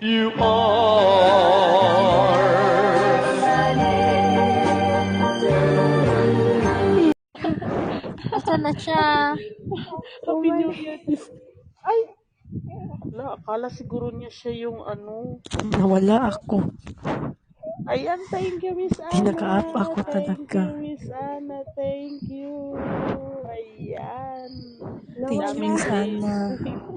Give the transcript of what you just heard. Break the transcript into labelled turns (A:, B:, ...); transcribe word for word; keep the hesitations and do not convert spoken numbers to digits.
A: You are.
B: Asa na siya?
A: Happy New Year. Ay! Wala, akala siguro niya siya yung ano.
C: Nawala ako.
A: Ayan, thank you, Miss Anna.
C: Tinaka-up ako
A: Thank
C: talaga.
A: you, Miss Anna. Thank you. Ayan.
C: Thank you, Miss Anna.